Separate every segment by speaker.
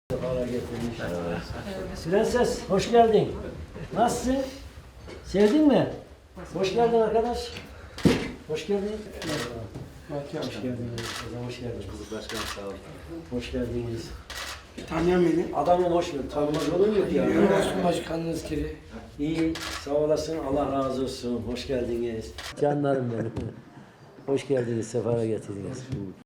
Speaker 1: Sefalar getirmiş. Prenses, hoş geldin. Nasılsın? Sevdin mi? Hoş geldin arkadaş. Hoş geldin. Hoş geldiniz. Hoş geldiniz.
Speaker 2: Başkanım sağ olun.
Speaker 1: Hoş geldiniz.
Speaker 3: Tanıyan beni.
Speaker 1: Adamın hoş geldin. Tanımaz olur mu ya?
Speaker 3: Yönetmen başkanınız kiri.
Speaker 1: İyi, sağ olasın. Allah razı olsun. Hoş geldiniz. Canlarım benim. Hoş geldiniz. Sefara getirdiniz.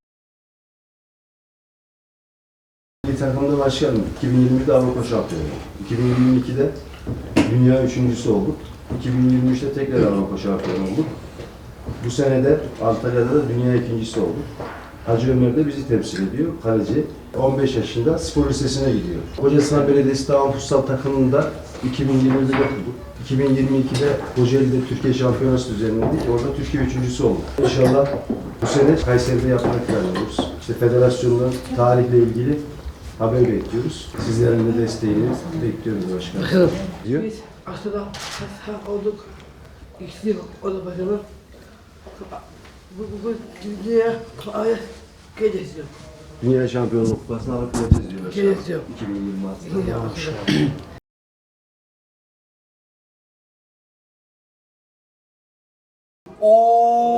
Speaker 2: Milli takımda başkanım. 2020'de Avrupa şampiyonu. 2022'de dünya üçüncüsü olduk. 2023'te tekrar Avrupa şampiyonu olduk. Bu sene de Antalya'da da dünya ikincisi olduk. Hacı Ömer de bizi temsil ediyor. Kaleci. 15 yaşında spor lisesine gidiyor. Kocasinan Belediyesi Dağın Futsal takımında 2020'de yapıldık. 2022'de Kocaeli'de Türkiye Şampiyonası düzenledik. Orada Türkiye üçüncüsü olduk. İnşallah bu sene Kayseri'de yapmak planlıyoruz. İşte federasyonun tarihle ilgili haber bekliyoruz. Sizlerin de desteğini bekliyoruz başkanım. Diyor.
Speaker 3: Biz aslında sağ olduk. İkisi o da başkanım. Bu dünya ayet geleceğiz.
Speaker 2: Dünya Şampiyonluk Kupası'nı alıp geleceğiz diyor başkanım.
Speaker 3: Geleceğiz.
Speaker 2: 2026'da.
Speaker 3: Oo.